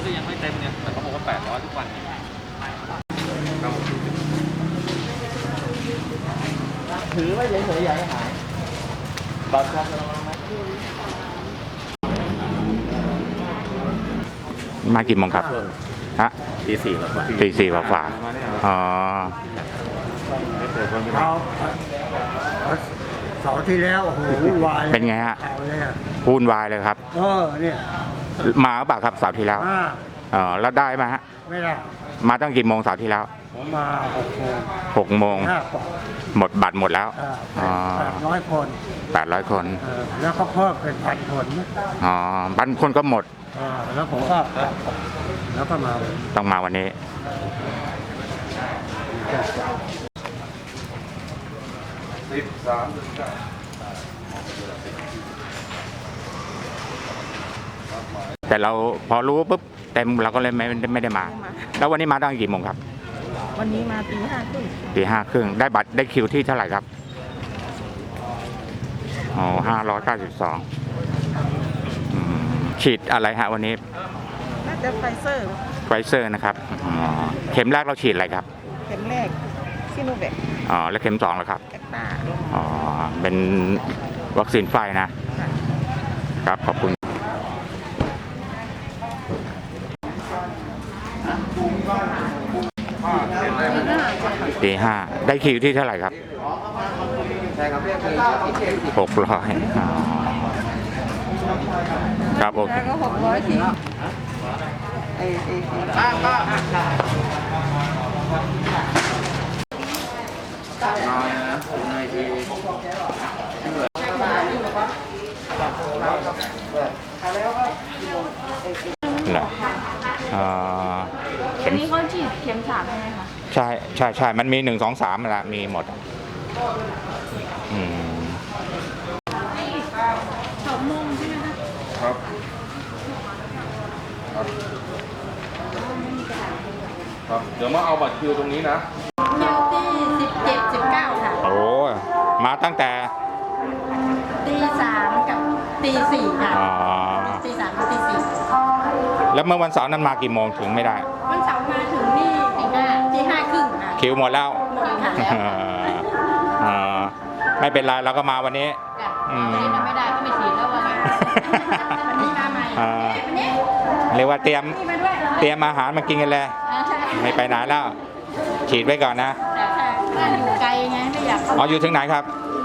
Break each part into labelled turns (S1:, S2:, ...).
S1: ก็ยังไม่เต็มเนี่ยแต่เขาบอกว่า800ทุกวัน
S2: ถือไว้เฉยๆอย่าให้หายบัตรครับ
S3: มากี่โมงครับฮะ
S1: ตี 4แล้ว
S3: ตี 4ฝ่าอ๋อ
S2: เสาร์ที่แล้วโอ้โหวุ่นวาย
S3: เป็นไงฮะวุ่นวายเลยครับ
S2: เนี่ย
S3: มาเปล่าครับเสาร์ที่แล้วแล้วได้ไหมฮะ
S2: ไม่ได้
S3: มาตั้งกี่โมงเสาร์ที่แล้ว
S2: ผมมา
S3: 6 โมงหมดบัตรหมดแล้ว
S2: 800 คน
S3: 800 คน
S2: แล้วก็เพิ่มเป็น1,000 คน
S3: 1,000 คนก็หมด
S2: แล้วผมก็แล้วก็มา
S3: ต้องมาวันนี้แต่เราพอรู้ปุ๊บเต็มเราก็เลยไม่ได้มาแล้ววันนี้มาตั้งกี่โมงครับ
S4: วันนี้มาตี 5 ครึ่ง
S3: ได้บัตรได้คิวที่เท่าไหร่ครับ592ฉีดอะไรฮะวันนี้
S4: น่าจะไฟเซอร์
S3: นะครับเข็มแรกเราฉีดอะไรครับ
S4: เข็มแรกซิโนแวค
S3: แล้วเข็ม2ล่ะครับ
S4: แอคตา
S3: เป็นวัคซีนไฟนะครับขอบคุณตี 5ได้คิวที่เท่าไหร่ครับ
S2: ใช่ครับ
S3: 600ครับโอเค
S4: แล้วก็600ที
S3: เข็ม
S4: นี้เขาฉีดเข็ม3ใช่ไหมคะ
S3: ใช่มันมี1 2 3ละมีหมด
S4: 2 โมงใช่ไหมคะ
S1: ครับเดี๋ยวมาเอาบัตรคิวตรงนี้นะ
S4: คิวที่17 19ค่ะ
S3: โอ้มาตั้งแต่
S4: ตี 3กับตี 4ค่ะตี 3กับตี 4
S3: แล้วเมื่อวันเสาร์นั้นมากี่โมงถึงไม่ได้
S4: วันเสาร์มาถึงนี่ตี 5 ครึ่งค่ะ
S3: คิวหมดแล้วไม่เป็นไรเราก็มาวันนี้
S4: วันนี้ไม่ได้ก็ไม่ฉีดแล้ววันนี้มาใหม่
S3: เรียกว่าเตรียมอาหารมากินกันเลยไม่ไปไหนแล้วฉีดไว้ก่อนนะ
S4: อยู่ไกลไงไม่อยาก
S3: อยู่ถึงไหนครับ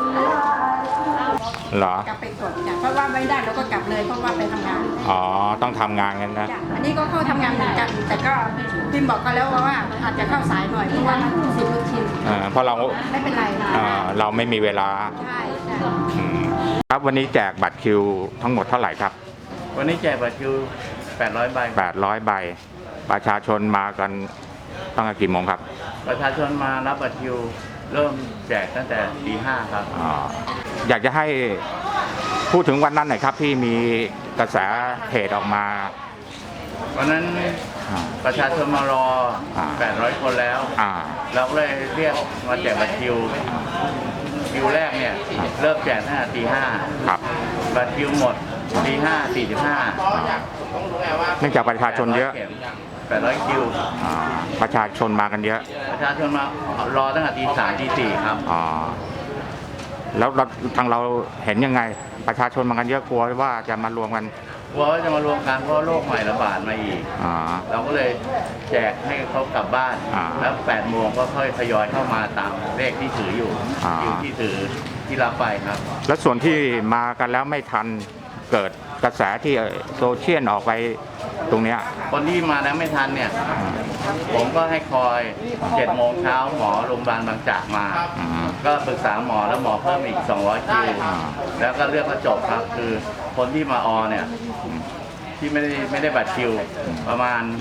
S3: เหรอก
S4: ลับไปกดเพราะว่าไม่ได้เราก็กลับเลยเพราะว่าไปทำงาน
S3: ต้องทำงานกันนะ
S4: อันนี้ก็เข้าทำงานเหมือนกันแต่ก็พิมบอกกันแล้วว่าอาจจะเข้าสายหน่อยเพราะว่า10 โมงชิน
S3: เพราะเรา
S4: ไม่เป็นไร
S3: เราไม่มีเวลา
S4: ใช่
S3: ครับวันนี้แจกบัตรคิวทั้งหมดเท่าไหร่ครับ
S1: วันนี้แจกบัตรคิว800 ใบ
S3: 800 ใบประชาชนมากันตั้งแต่กี่โมงครับ
S1: ประชาชนมารับบัตรคิวเริ่มแจกตั้งแต่ตี 5ครับ
S3: อยากจะให้พูดถึงวันนั้นหน่อยครับที่มีกระแสเพจออกมา
S1: วันนั้นประชาชนมารอ800 คนแล้วเราก็เลยเรียกมาแจกบัตรคิวแรกเนี่ยเริ่มแจกตั้งแต่ตี 5
S3: ครับ
S1: บัตรคิวหมดตี 5:45
S3: เนื่องจากประชาชนเยอะ
S1: 800 คิว
S3: ประชาชนมากันเยอะ
S1: ประชาชนมารอตั้งแต่ตี 3 ตี 4ครับ
S3: แล้วทางเราเห็นยังไงประชาชนมากันเยอะกลัวว่าจะมารวมกัน
S1: กลัวว่าจะมารวมกันเพราะโรคใหม่ระบาดมาอีกเราก็เลยแจกให้เขากลับบ้านแล้ว8 โมงก็ค่อยทยอยเข้ามาตามเลขที่ถืออยู่ที่ถือที่รับไปครับ
S3: แล้วส่วนที่มากันแล้วไม่ทันเกิดกระแสที่โซเชียลออกไปตรงเนี้ย
S1: คนที่มาแล้วไม่ทันเนี่ยผมก็ให้คอย7 โมงเช้าหมอโรงพยาบาลบางจากมาก็ปรึกษาหมอแล้วหมอเพิ่มอีก200 คิวแล้วก็เลือกก็จบครับคือคนที่มาเนี่ยที่ไม่ได้บัตรคิวประมาณ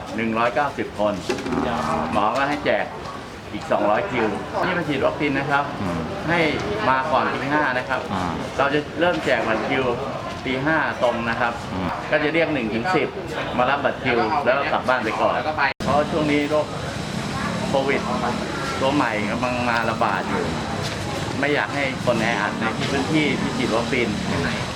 S1: 190 คนหมอก็ให้แจกอีก200 คิวที่มาฉีดวัคซีนนะครับให้มาก่อนตี 5นะครับเราจะเริ่มแจกบัตรคิวตี 5ตรงนะครับก็จะเรียก1 ถึง 10มารับบัตรคิวแล้วกลับบ้านไปก่อนเพราะช่วงนี้โรคโควิดตัวใหม่กำลังมาระบาดอยู่ไม่อยากให้คนแออัดในพื้นที่ที่ฉีดวัคซีน